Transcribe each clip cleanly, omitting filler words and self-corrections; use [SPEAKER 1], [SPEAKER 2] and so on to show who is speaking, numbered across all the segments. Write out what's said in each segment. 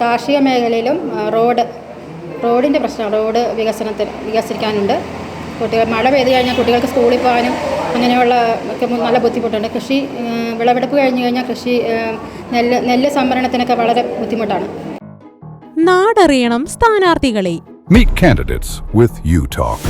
[SPEAKER 1] കാർഷിക മേഖലയിലും റോഡിൻ്റെ പ്രശ്നം, റോഡ് വികസിക്കാനുണ്ട്. കുട്ടികൾ മഴ പെയ്ത് കഴിഞ്ഞാൽ കുട്ടികൾക്ക് സ്കൂളിൽ പോകാനും അങ്ങനെയുള്ള ഒക്കെ നല്ല ബുദ്ധിമുട്ടുണ്ട്. വിളവെടുപ്പ് കഴിഞ്ഞ് കഴിഞ്ഞാൽ നെല്ല് സംഭരണത്തിനൊക്കെ വളരെ ബുദ്ധിമുട്ടാണ്.
[SPEAKER 2] നാടറിയണം സ്ഥാനാർത്ഥികളെ.
[SPEAKER 3] Meet candidates with UTalk.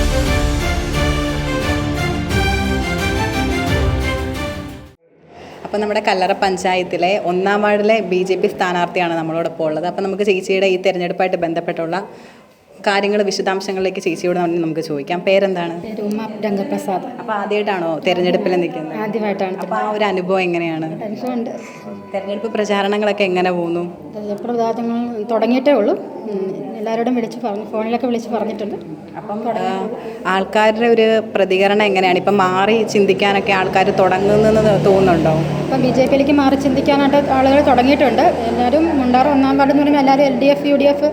[SPEAKER 4] അപ്പോൾ നമ്മുടെ കല്ലറ പഞ്ചായത്തിലെ 1-ാം വാർഡിലെ BJP സ്ഥാനാർത്ഥിയാണ് നമ്മളോടൊപ്പം ഉള്ളത്. അപ്പോൾ നമുക്ക് ചേച്ചിയുടെ ഈ തെരഞ്ഞെടുപ്പായിട്ട് ബന്ധപ്പെട്ടുള്ള കാര്യങ്ങൾ, വിശദാംശങ്ങളിലേക്ക് ചേച്ചിയോട് നമുക്ക് ചോദിക്കാം. പേരെന്താണ്?
[SPEAKER 1] ഉമ്മ രംഗപ്രസാദ്.
[SPEAKER 4] അപ്പോൾ ആദ്യമായിട്ടാണോ തെരഞ്ഞെടുപ്പിൽ നിൽക്കുന്നത്?
[SPEAKER 1] ആദ്യമായിട്ടാണ്.
[SPEAKER 4] അപ്പോൾ ആ ഒരു അനുഭവം എങ്ങനെയാണ്?
[SPEAKER 1] അനുഭവമുണ്ട്.
[SPEAKER 4] തെരഞ്ഞെടുപ്പ് പ്രചാരണങ്ങളൊക്കെ എങ്ങനെ പോകുന്നു?
[SPEAKER 1] തെരഞ്ഞെടുപ്പ് പ്രചാരണങ്ങൾ തുടങ്ങിയിട്ടേ ഉള്ളൂ. എല്ലാവരോടും ഫോണിലൊക്കെ വിളിച്ച് പറഞ്ഞിട്ടുണ്ട്.
[SPEAKER 4] അപ്പം ആൾക്കാരുടെ ഒരു പ്രതികരണം എങ്ങനെയാണ്? ഇപ്പം മാറി ചിന്തിക്കാനൊക്കെ ആൾക്കാർ തുടങ്ങുന്നതെന്ന് തോന്നുന്നുണ്ടോ? ഇപ്പം
[SPEAKER 1] BJPയിലേക്ക് മാറി ചിന്തിക്കാനായിട്ട് ആളുകൾ തുടങ്ങിയിട്ടുണ്ട്. എല്ലാവരും മുണ്ടാറ് 1-ാം വാർഡ് എന്ന് പറയുമ്പോൾ എല്ലാവരും LDF UDF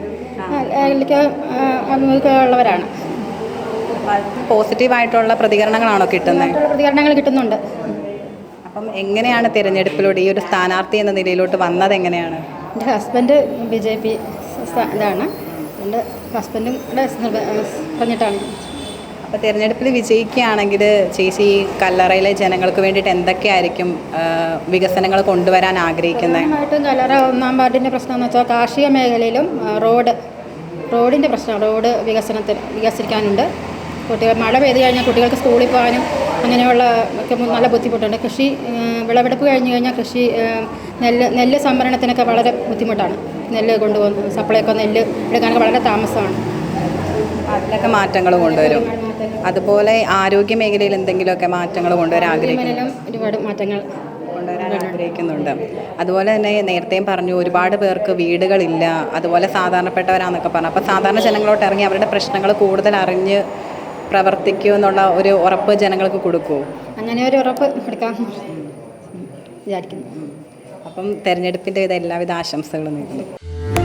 [SPEAKER 1] ഉള്ളവരാണ്.
[SPEAKER 4] പോസിറ്റീവായിട്ടുള്ള പ്രതികരണങ്ങളാണോ കിട്ടുന്നത്?
[SPEAKER 1] പ്രതികരണങ്ങൾ കിട്ടുന്നുണ്ട്.
[SPEAKER 4] അപ്പം എങ്ങനെയാണ് തിരഞ്ഞെടുപ്പിലൂടെ ഈ ഒരു സ്ഥാനാർത്ഥി എന്ന നിലയിലോട്ട് വന്നത്? എങ്ങനെയാണ്?
[SPEAKER 1] എൻ്റെ ഹസ്ബൻഡ് BJP ഇതാണ്. എൻ്റെ ഹസ്ബൻഡും കൂടെ പറഞ്ഞിട്ടാണ്.
[SPEAKER 4] അപ്പോൾ തിരഞ്ഞെടുപ്പിൽ വിജയിക്കുകയാണെങ്കിൽ ചേച്ചി ഈ കല്ലറയിലെ ജനങ്ങൾക്ക് വേണ്ടിയിട്ട് എന്തൊക്കെയായിരിക്കും വികസനങ്ങൾ കൊണ്ടുവരാൻ ആഗ്രഹിക്കുന്നത്?
[SPEAKER 1] പ്രധാനമായിട്ടും കല്ലറ 1-ാം വാർഡിൻ്റെ പ്രശ്നം എന്ന് വെച്ചാൽ കാർഷിക മേഖലയിലും റോഡിൻ്റെ പ്രശ്നം, റോഡ് വികസിക്കാനുണ്ട്. കുട്ടികൾ മഴ പെയ്ത് കഴിഞ്ഞാൽ കുട്ടികൾക്ക് സ്കൂളിൽ പോകാനും അങ്ങനെയുള്ള ഒക്കെ നല്ല ബുദ്ധിമുട്ടുണ്ട്. വിളവെടുപ്പ് കഴിഞ്ഞ് കഴിഞ്ഞാൽ നെല്ല് സംഭരണത്തിനൊക്കെ വളരെ ബുദ്ധിമുട്ടാണ്. നെല്ല് കൊണ്ടുപോകുന്ന സപ്ലൈക്കോ നെല്ല് എടുക്കാനൊക്കെ വളരെ താമസമാണ്.
[SPEAKER 4] അതിലൊക്കെ മാറ്റങ്ങൾ കൊണ്ടുവരും. അതുപോലെ ആരോഗ്യ മേഖലയിൽ എന്തെങ്കിലുമൊക്കെ മാറ്റങ്ങൾ കൊണ്ടുവരാൻ
[SPEAKER 1] ഒരുപാട് മാറ്റങ്ങൾ
[SPEAKER 4] കൊണ്ടുവരാൻ ആഗ്രഹിക്കുന്നുണ്ട്. അതുപോലെ തന്നെ നേരത്തെയും പറഞ്ഞു, ഒരുപാട് പേർക്ക് വീടുകളില്ല, അതുപോലെ സാധാരണപ്പെട്ടവരാന്നൊക്കെ പറഞ്ഞു. അപ്പോൾ സാധാരണ ജനങ്ങളോട്ട് ഇറങ്ങി അവരുടെ പ്രശ്നങ്ങൾ കൂടുതൽ അറിഞ്ഞ് പ്രവർത്തിക്കൂ എന്നുള്ള ഒരു ഉറപ്പ് ജനങ്ങൾക്ക് കൊടുക്കുമോ?
[SPEAKER 1] അങ്ങനെ ഒരു ഉറപ്പ് കൊടുക്കാൻ വിചാരിക്കുന്നു.
[SPEAKER 4] അപ്പം തെരഞ്ഞെടുപ്പിൻ്റെ എല്ലാവിധ ആശംസകളും നേരുന്നു.